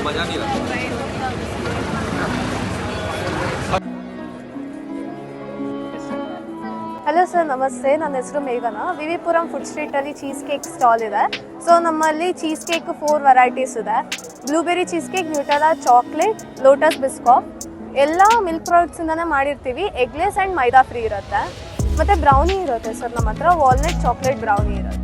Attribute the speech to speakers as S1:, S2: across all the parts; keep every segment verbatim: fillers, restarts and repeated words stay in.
S1: मजा नहीं लगा।
S2: ಹಲೋ ಸರ್, ನಮಸ್ತೆ. ನನ್ನ ಹೆಸರು ಮೇಘನಾ. ವಿ ವಿ ಪುರಂ ಫುಡ್ ಸ್ಟ್ರೀಟಲ್ಲಿ ಚೀಸ್ ಕೇಕ್ ಸ್ಟಾಲ್ ಇದೆ. ಸೊ ನಮ್ಮಲ್ಲಿ ಚೀಸ್ ಕೇಕ್ ಫೋರ್ ವೆರೈಟೀಸ್ ಇದೆ. Blueberry cheese cake, Nutella, chocolate, Lotus Biscoff ಎಲ್ಲ ಮಿಲ್ಕ್ ಪ್ರಾಡಕ್ಟ್ಸಿಂದನೇ ಮಾಡಿರ್ತೀವಿ. ಎಗ್ಲೆಸ್ ಆ್ಯಂಡ್ ಮೈದಾ ಫ್ರೀ ಇರುತ್ತೆ. ಮತ್ತು ಬ್ರೌನಿ ಇರುತ್ತೆ ಸರ್ ನಮ್ಮ ಹತ್ರ. ವಾಲ್ನಟ್ ಚಾಕ್ಲೇಟ್ ಬ್ರೌನಿ ಇರುತ್ತೆ.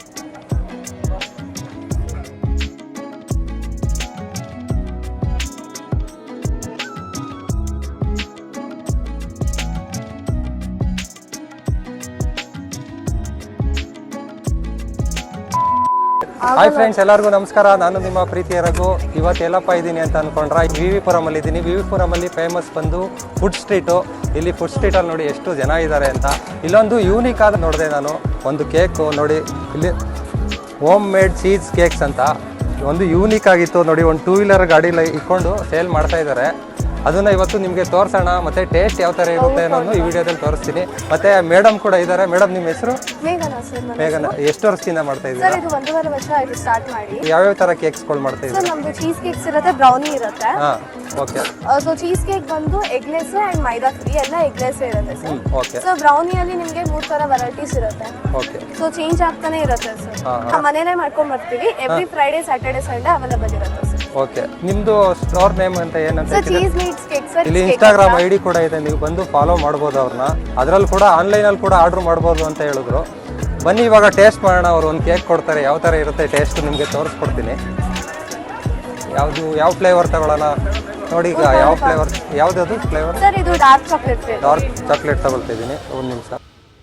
S3: ಹಾಯ್ ಫ್ರೆಂಡ್ಸ್, ಎಲ್ಲರಿಗೂ ನಮಸ್ಕಾರ. ನಾನು ನಿಮ್ಮ ಪ್ರೀತಿಯ ರಘು. ಇವತ್ತು ಎಲ್ಲಪ್ಪ ಇದ್ದೀನಿ ಅಂತ ಅಂದ್ಕೊಂಡ್ರೆ ವಿ ವಿ ಪುರಮಲ್ಲಿ ಇದ್ದೀನಿ. ವಿ ವಿ ಪುರಮಲ್ಲಿ ಫೇಮಸ್ ಬಂದು ಫುಡ್ ಸ್ಟ್ರೀಟು. ಇಲ್ಲಿ ಫುಡ್ ಸ್ಟ್ರೀಟಲ್ಲಿ ನೋಡಿ ಎಷ್ಟು ಜನ ಇದ್ದಾರೆ ಅಂತ. ಇಲ್ಲೊಂದು ಯೂನಿಕ್ ಆದ ನೋಡಿದೆ ನಾನು ಒಂದು ಕೇಕು ನೋಡಿ. ಇಲ್ಲಿ ಹೋಮ್ ಮೇಡ್ ಚೀಸ್ ಕೇಕ್ಸ್ ಅಂತ ಒಂದು ಯೂನಿಕ್ ಆಗಿತ್ತು ನೋಡಿ. ಒಂದು ಟೂ ವೀಲರ್ ಗಾಡೀಲಿ ಇಟ್ಕೊಂಡು ಸೇಲ್ ಮಾಡ್ತಾ ಇದ್ದಾರೆ. ಅದನ್ನು ಇವತ್ತು ನಿಮಗೆ ತೋರಿಸೋಣ, ಮತ್ತು ಟೇಸ್ಟ್ ಯಾವ ಥರ ಇರುತ್ತೆ ಅನ್ನೋದು ಈ ವಿಡಿಯೋದಲ್ಲಿ ತೋರಿಸ್ತೀನಿ. ಮತ್ತು ಮೇಡಮ್ ಕೂಡ ಇದ್ದಾರೆ. ಮೇಡಮ್, ನಿಮ್ಮ ಹೆಸರು?
S2: ಮೇಘನಾ ಸರ್.
S3: ಮೇಘನಾ, ಎಷ್ಟು ವರ್ಷದಿಂದ ಮಾಡ್ತಾ ಇದ್ದೀರಾ?
S2: ಸರ್ ಇದು ಒಂದೂವರೆ ವರ್ಷ ಆಯ್ತು ಸ್ಟಾರ್ಟ್ ಮಾಡಿ.
S3: ಯಾವ್ಯಾವ ಥರ ಕೇಕ್ಸ್ಗಳು ಮಾಡ್ತಾ ಇದ್ದೀರಾ?
S2: ಸರ್ ನಮ್ದು ಚೀಸ್ ಕೇಕ್ಸ್ ಇರುತ್ತೆ, ಬ್ರೌನಿ ಇರುತ್ತೆ.
S3: ಹಾಂ, ಓಕೆ.
S2: ಸೊ ಚೀಸ್ ಕೇಕ್ ಬಂದು ಎಗ್ಲೆಸ್ ಆ್ಯಂಡ್ ಮೈದಾ ಫ್ರೀ, ಎಲ್ಲ ಎಗ್ಲೆಸ್ ಇರುತ್ತೆ ಸರ್.
S3: ಓಕೆ.
S2: ಸೊ ಬ್ರೌನಿಯಲ್ಲಿ ನಿಮಗೆ ಮೂರು ಥರ ವೆರೈಟೀಸ್ ಇರುತ್ತೆ.
S3: ಓಕೆ.
S2: ಸೊ ಚೇಂಜ್ ಆಗ್ತಾನೆ ಇರುತ್ತೆ ಸರ್. ನಾವು ಮನೇಲೆ ಮಾಡ್ಕೊಂಡ್ ಬರ್ತೀವಿ. Every Friday, Saturday, Sunday available ಇರುತ್ತೆ ಸರ್.
S3: ಓಕೆ. ನಿಮ್ಮದು ಸ್ಟೋರ್ ನೇಮ್ ಅಂತ ಏನಂತ?
S2: Sir cheese meets cake sir.
S3: ಇಲ್ಲಿ ಇನ್ಸ್ಟಾಗ್ರಾಮ್ ಐ ಡಿ ಕೂಡ ಇದೆ, ನೀವು ಬಂದು ಫಾಲೋ ಮಾಡ್ಬೋದು ಅವ್ರನ್ನ. ಅದರಲ್ಲಿ ಕೂಡ ಆನ್ಲೈನಲ್ಲಿ ಕೂಡ ಆರ್ಡ್ರ್ ಮಾಡ್ಬೋದು ಅಂತ ಹೇಳಿದ್ರು. ಬನ್ನಿ ಇವಾಗ ಟೇಸ್ಟ್ ಮಾಡೋಣ. ಅವರು ಒಂದು ಕೇಕ್ ಕೊಡ್ತಾರೆ, ಯಾವ ಥರ ಇರುತ್ತೆ ಟೇಸ್ಟ್ ನಿಮಗೆ ತೋರಿಸ್ಕೊಡ್ತೀನಿ. ಯಾವುದು ಯಾವ ಫ್ಲೇವರ್ ತಗೊಳ್ಳೋಣ ನೋಡಿ. ಈಗ ಯಾವ ಫ್ಲೇವರ್, ಯಾವುದದು ಫ್ಲೇವರ್?
S2: ಸರ್ ಇದು dark chocolate flavour.
S3: Dark chocolate ತಗೊಳ್ತಾ ಇದ್ದೀನಿ. ಒಂದು ನಿಮಿಷ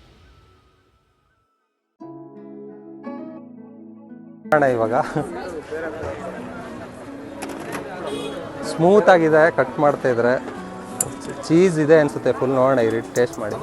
S3: ಮಾಡೋಣ. ಇವಾಗ ಸ್ಮೂತ್ ಆಗಿದೆ, ಕಟ್ ಮಾಡ್ತಾ ಇದ್ರೆ ಚೀಸ್ ಇದೆ ಅನ್ಸುತ್ತೆ ಫುಲ್. ನೋಡೋಣ, ಇರಿ ಟೇಸ್ಟ್ ಮಾಡಿ.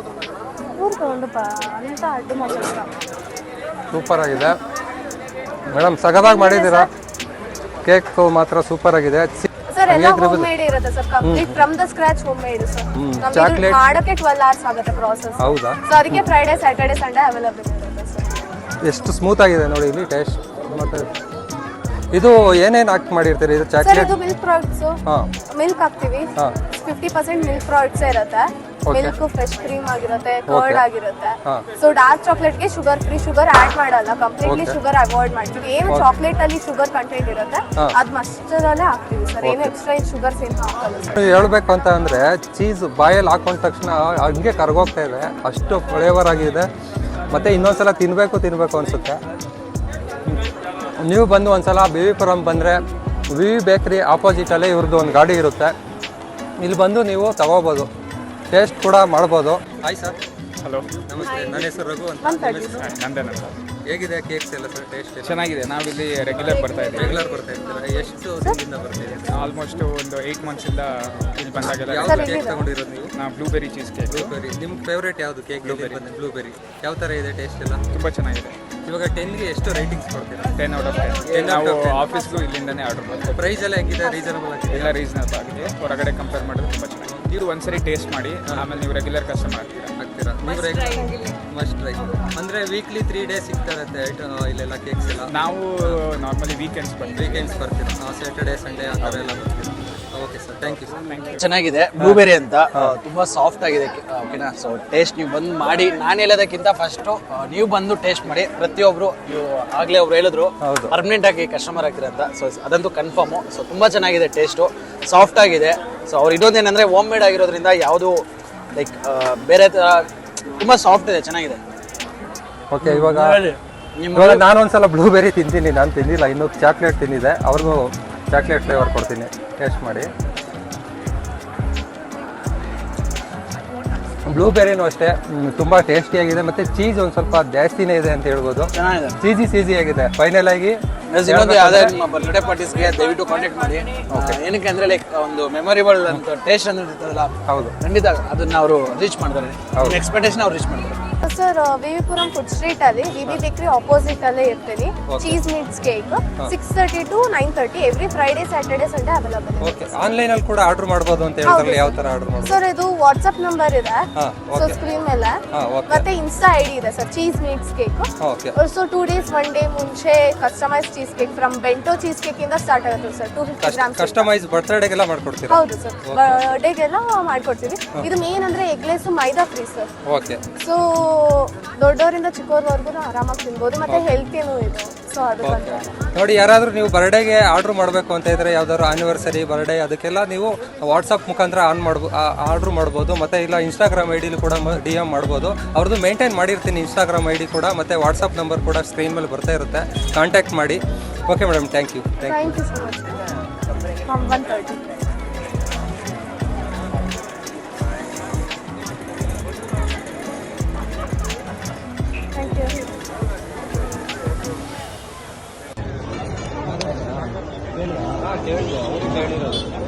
S3: ಸೂಪರ್ ಆಗಿದೆ ಮೇಡಮ್, ಸಗದಾಗಿ ಮಾಡಿದ್ದೀರಾ. ಕೇಕ್ ಮಾತ್ರ ಸೂಪರ್ ಆಗಿದೆ.
S2: ಸರ್ ಎಲ್ಲ ಹೋಮ್ ಮೇಡ್ ಇರುತ್ತೆ sir. Complete from the scratch home made sir. ನಮಗೆ ಮಾಡೋಕೆ ಟ್ವೆಲ್ವ್ ಅವರ್ಸ್ ಆಗುತ್ತೆ ಪ್ರಾಸೆಸ್.
S3: ಹೌದಾ?
S2: ಸೊ ಅದಕ್ಕೆ ಫ್ರೈಡೆ, ಸ್ಯಾಟರ್ಡೆ, ಸಂಡೇ ಅವೈಲೇಬಲ್ ಇರುತ್ತೆ ಸರ್.
S3: ಎಷ್ಟು ಸ್ಮೂತ್ ಆಗಿದೆ ನೋಡಿ ಇಲ್ಲಿ ಟೇಸ್ಟ್. ಮತ್ತೆ ಇದು ಏನೇನು ಹಾಕಿ ಮಾಡಿರ್ತೀರಿ? ಇದು
S2: ಸರ್
S3: ಚಾಕ್ಲೇಟ್,
S2: ಇದು ಮಿಲ್ಕ್ ಪ್ರಾಡಕ್ಟ್ಸ್.
S3: ಹಾಂ,
S2: ಮಿಲ್ಕ್ ಹಾಕ್ತೀವಿ.
S3: ಹಾಂ,
S2: ಫಿಫ್ಟಿ ಪರ್ಸೆಂಟ್ ಮಿಲ್ಕ್ ಪ್ರಾಡಕ್ಟ್ಸ್ ಇರುತ್ತೆ. ಮಿಲ್ಕ್ ಫ್ರೆಶ್ ಕ್ರೀಮ್ ಆಗಿರುತ್ತೆ, ಕರ್ಡ್ ಆಗಿರುತ್ತೆ. ಸೊ ಡಾರ್ಕ್ ಚಾಕ್ಲೇಟ್ಗೆ ಶುಗರ್ ಫ್ರೀ, ಶುಗರ್ ಆಡ್ ಮಾಡಲ್ಲ. ಕಂಪ್ಲೀಟ್ಲಿ ಶುಗರ್ ಅವಾಯ್ಡ್ ಮಾಡ್ತೀವಿ. ಏನು ಚಾಕ್ಲೇಟ್ ಅಲ್ಲಿ ಶುಗರ್ ಕಂಟೆಂಟ್ ಇರುತ್ತೆ ಅದು ಮಸ್ಟರಲ್ಲೇ ಹಾಕ್ತೀವಿ ಸರ್. ಏನು ಎಕ್ಸ್ಟ್ರಾ ಶುಗರ್ಸ್ ಏನು ಹಾಕಲ್ಲ ಸರ್.
S3: ಹೇಳ್ಬೇಕು ಅಂತ ಅಂದ್ರೆ ಚೀಸ್ ಬಾಯಲ್ಲಿ ಹಾಕೊಂಡ ತಕ್ಷಣ ಹಂಗೆ ಕರ್ಗೋಗ್ತಾ ಇದೆ, ಅಷ್ಟು ಫ್ಲೇವರ್ ಆಗಿದೆ. ಮತ್ತೆ ಇನ್ನೊಂದ್ಸಲ ತಿನ್ಬೇಕು ತಿನ್ಬೇಕು ಅನ್ಸುತ್ತೆ. ನೀವು ಬಂದು ಒಂದ್ಸಲ ವಿ ವಿ ಪುರಂ ಬಂದರೆ ವಿ ವಿ ಬೇಕ್ರಿ ಆಪೋಸಿಟಲ್ಲೇ ಇವ್ರದ್ದು ಒಂದು ಗಾಡಿ ಇರುತ್ತೆ. ಇಲ್ಲಿ ಬಂದು ನೀವು ತಗೋಬೋದು, ಟೇಸ್ಟ್ ಕೂಡ ಮಾಡ್ಬೋದು. Hi sir.
S4: ಹಲೋ,
S3: ನಮಸ್ತೆ. ನನ್ನ ಹೆಸರು ರಘು ಅಂತ.
S4: ನಂದೇನ ಸರ್.
S3: ಹೇಗಿದೆ ಕೇಕ್ಸ್ ಎಲ್ಲ ಸರ್? ಟೇಸ್ಟ್
S4: ಚೆನ್ನಾಗಿದೆ. ನಾವಿಲ್ಲಿ ರೆಗ್ಯುಲರ್ ಬರ್ತಾ ಇದ್ದೀವಿ.
S3: ರೆಗ್ಯುಲರ್ ಬರ್ತಾ ಇರ್ತೀರಾ? ಎಷ್ಟು ದಿನದಿಂದ ಬರ್ತೀವಿ?
S4: ಆಲ್ಮೋಸ್ಟ್ ಒಂದು ಏಯ್ಟ್ ಮಂತ್ಸಿಂದ ಇಲ್ಲಿ ಬಂದಾಗೆಲ್ಲ.
S3: ಯಾವುದು ಕೇಕ್ ತಗೊಂಡಿರೋದು ನೀವು?
S4: ನಾವು ಬ್ಲೂಬೆರಿ ಚೀಸ್ ಕೇಕ್.
S3: ಬ್ಲೂಬೆರಿ. ನಿಮ್ಮ ಫೇವ್ರೇಟ್ ಯಾವುದು ಕೇಕ್? ಬ್ಲೂಬೆರಿ. ಬ್ಲೂಬೆರಿ ಯಾವ ಥರ ಇದೆ ಟೇಸ್ಟ್ ಎಲ್ಲ?
S4: ತುಂಬ ಚೆನ್ನಾಗಿದೆ.
S3: ಇವಾಗ ಟೆನ್ಗೆ ಎಷ್ಟು ರೇಟಿಂಗ್ಸ್ ಕೊಡ್ತೀರಾ?
S4: Ten out of ten. ನಾವು ಆಫೀಸ್ಗೂ ಇಲ್ಲಿಂದನೇ ಆರ್ಡರ್ ಮಾಡ್ತೀವಿ.
S3: ಪ್ರೈಸ್ ಎಲ್ಲ ಹೆಂಗಿದೆ? ರೀಸನಬಲ್ ಆಗಿದೆ?
S4: ಎಲ್ಲ ರೀಸನಬಲ್ ಆಗಿದೆ. ಹೊರಗಡೆ ಕಂಪೇರ್ ಮಾಡಿದ್ರೆ ತುಂಬ ಚೆನ್ನಾಗಿದೆ. ನೀವು ಒಂದ್ಸರಿ ಟೇಸ್ಟ್ ಮಾಡಿ, ಆಮೇಲೆ ನೀವು ರೆಗ್ಯುಲರ್ ಕಸ್ಟಮರ್ ಆಗ್ತೀರಾ
S3: ಆಗ್ತೀರಾ ನೀವು? Must try. ಅಂದರೆ ವೀಕ್ಲಿ ತ್ರೀ ಡೇಸ್ ಸಿಗ್ತಾರತ್ತೆ ಇಲ್ಲೆಲ್ಲ ಕೇಕ್ಸ್ ಎಲ್ಲ?
S4: ನಾವು ನಾರ್ಮಲಿ ವೀಕೆಂಡ್ಸ್ ಬರ್ತೀವಿ.
S3: ವೀಕೆಂಡ್ಸ್ ಬರ್ತೀರಾ? ಸ್ಯಾಟರ್ಡೇ, ಸಂಡೇ ಆ ಥರ ಎಲ್ಲ ಬರ್ತೀರಾ? Okay sir, thank you sir. Thank you.
S5: ಚೆನ್ನಾಗಿದೆ. ಬ್ಲೂಬೆರಿ ಅಂತ ತುಂಬಾ ಸಾಫ್ಟ್ ಆಗಿದೆ. ಓಕೆನಾ? ಸೊ ಟೇಸ್ಟ್ ನೀವು ಬಂದು ಮಾಡಿ. ನಾನು ಹೇಳೋದಕ್ಕಿಂತ ಫಸ್ಟು ನೀವು ಬಂದು ಟೇಸ್ಟ್ ಮಾಡಿ. ಪ್ರತಿಯೊಬ್ರು ನೀವು ಆಗ್ಲೇ ಒಬ್ರು ಹೇಳಿದ್ರು ಪರ್ಮನೆಂಟ್ ಆಗಿ ಕಸ್ಟಮರ್ ಆಗ್ತೀರ ಅಂತ. ಸೊ ಅದಂತೂ ಕನ್ಫರ್ಮು. ಸೊ ತುಂಬಾ ಚೆನ್ನಾಗಿದೆ, ಟೇಸ್ಟು ಸಾಫ್ಟ್ ಆಗಿದೆ. ಸೊ ಅವ್ರು ಇನ್ನೊಂದೇನಂದ್ರೆ ಹೋಮ್ ಮೇಡ್ ಆಗಿರೋದ್ರಿಂದ ಯಾವುದು ಲೈಕ್ ಬೇರೆ ಥರ ತುಂಬಾ ಸಾಫ್ಟ್ ಇದೆ, ಚೆನ್ನಾಗಿದೆ.
S3: ಓಕೆ. ಇವಾಗ ಇವಾಗ ನಾನು ಒಂದ್ಸಲ ಬ್ಲೂಬೆರಿ ತಿಂತೀನಿ. ನಾನು ತಿಂದಿಲ್ಲ ಇನ್ನೂ. ಚಾಕ್ಲೇಟ್ ತಿಂದಿದೆ. ಅವ್ರಿಗೂ ಚಾಕ್ಲೇಟ್ ಫ್ಲೇವರ್ ಕೊಡ್ತೀನಿ, ಟೇಸ್ಟ್ ಮಾಡಿ. ಬ್ಲೂಬೆರಿನೂ ಅಷ್ಟೇ ತುಂಬ ಟೇಸ್ಟಿಯಾಗಿದೆ. ಮತ್ತು ಚೀಸ್ ಒಂದು ಸ್ವಲ್ಪ ಜಾಸ್ತಿನೇ ಇದೆ ಅಂತ ಹೇಳ್ಬೋದು.
S5: ಚೆನ್ನಾಗಿದೆ,
S3: ಚೀಸಿ ಚೀಸಿ ಆಗಿದೆ. ಫೈನಲ್ ಆಗಿ
S5: ಇನ್ನೊಂದು ಯಾವುದೇ ನಿಮ್ಮ ಬರ್ತ್ಡೇ ಪಾರ್ಟೀಸ್ಗೆ ದಯವಿಟ್ಟು ಕಾಂಟ್ಯಾಕ್ಟ್ ಮಾಡಿ. ಏನಕ್ಕೆ ಅಂದರೆ ಲೈಕ್ ಒಂದು ಮೆಮೊರೇಬಲ್ ಅಂತ ಟೇಸ್ಟ್ ಅಂದ್ರೆ ಇರ್ತದಲ್ಲ,
S3: ಹೌದು,
S5: ಖಂಡಿತ ಅದನ್ನ ಅವರು ರೀಚ್ ಮಾಡ್ತಾರೆ. ಎಕ್ಸ್ಪೆಕ್ಟೇಷನ್ ಅವ್ರು ರೀಚ್ ಮಾಡ್ತಾರೆ.
S2: ಸರ್ ವಿವಿಪುರಂ ಫುಡ್ ಸ್ಟ್ರೀಟ್ ಅಲ್ಲಿ ವಿ ಬಿ ಬೇಕ್ರಿ ಆಪೋಸಿಟ್ ಅಲ್ಲೇ ಇರ್ತೀವಿ. Cheese meets cake six thirty to nine thirty every Friday Saturday Sunday available.
S3: Okay, online ಅಲ್ಲಿ ಕೂಡ ಆರ್ಡರ್ ಮಾಡಬಹುದು ಅಂತ ಹೇಳಿದ್ರಲ್ಲ, ಯಾವ ತರ ಆರ್ಡರ್ ಮಾಡಬಹುದು
S2: ಸರ್? ಇದು ವಾಟ್ಸ್ಆಪ್ ನಂಬರ್ ಇದೆ,
S3: ಹಾ
S2: ಸೊ
S3: ಓಕೆ
S2: ಸ್ಕ್ರೀನ್ ಮೇಲೆ,
S3: ಹಾ ಓಕೆ
S2: ಮತ್ತೆ ಇನ್ಸ್ಟಾ ಐಡಿ ಇದೆ sir, cheese meets cake.
S3: Okay,
S2: so two days one day ಮುಂಚೆ customise cheese cake from bento cheese cake ಇಂದ ಸ್ಟಾರ್ಟ್ ಆಗುತ್ತೆ sir. Two fifty grams
S3: customise ಬರ್ತ್ಡೇಗೆಲ್ಲ ಮಾಡ್ಕೊಡ್ತೀರಾ?
S2: ಹೌದು ಸರ್, ಬರ್ಡೇಗೆಲ್ಲ ಮಾಡ್ಕೊಡ್ತೀವಿ. ಇದು ಮೇನ್ ಅಂದ್ರೆ eggless maida free sir.
S3: Okay,
S2: so ದೊಡ್ಡವರಿಂದ ಚಿಕ್ಕವರವರೆಗೂ ಆರಾಮಾಗಿ ತಿನ್ಬೋದು, ಮತ್ತೆ ಹೆಲ್ತಿನೂ ಇದು. ಸೊ ಅದಕ್ಕೆ
S3: ನೋಡಿ, ಯಾರಾದರೂ ನೀವು ಬರ್ಡೇಗೆ ಆರ್ಡರ್ ಮಾಡಬೇಕು ಅಂತ ಇದ್ರೆ, ಯಾವ್ದಾದ್ರು ಆನಿವರ್ಸರಿ ಬರ್ಡೇ ಅದಕ್ಕೆಲ್ಲ ನೀವು ವಾಟ್ಸಪ್ ಮುಖಾಂತರ ಆನ್ ಮಾಡ್ಬೋ ಆರ್ಡ್ರ್ ಮಾಡ್ಬೋದು. ಮತ್ತು ಇಲ್ಲ ಇನ್ಸ್ಟಾಗ್ರಾಮ್ ಐ ಡಿಲಿ ಕೂಡ ಡಿ ಎಮ್ ಮಾಡ್ಬೋದು. ಅವ್ರದ್ದು ಮೇಂಟೈನ್ ಮಾಡಿರ್ತೀನಿ ಇನ್ಸ್ಟಾಗ್ರಾಮ್ ಐ ಡಿ ಕೂಡ, ಮತ್ತು ವಾಟ್ಸಪ್ ನಂಬರ್ ಕೂಡ ಸ್ಕ್ರೀನ್ ಮೇಲೆ ಬರ್ತಾ ಇರುತ್ತೆ, ಕಾಂಟ್ಯಾಕ್ಟ್ ಮಾಡಿ. Okay madam, thank you.
S2: Thank you so much. One thirty thank you.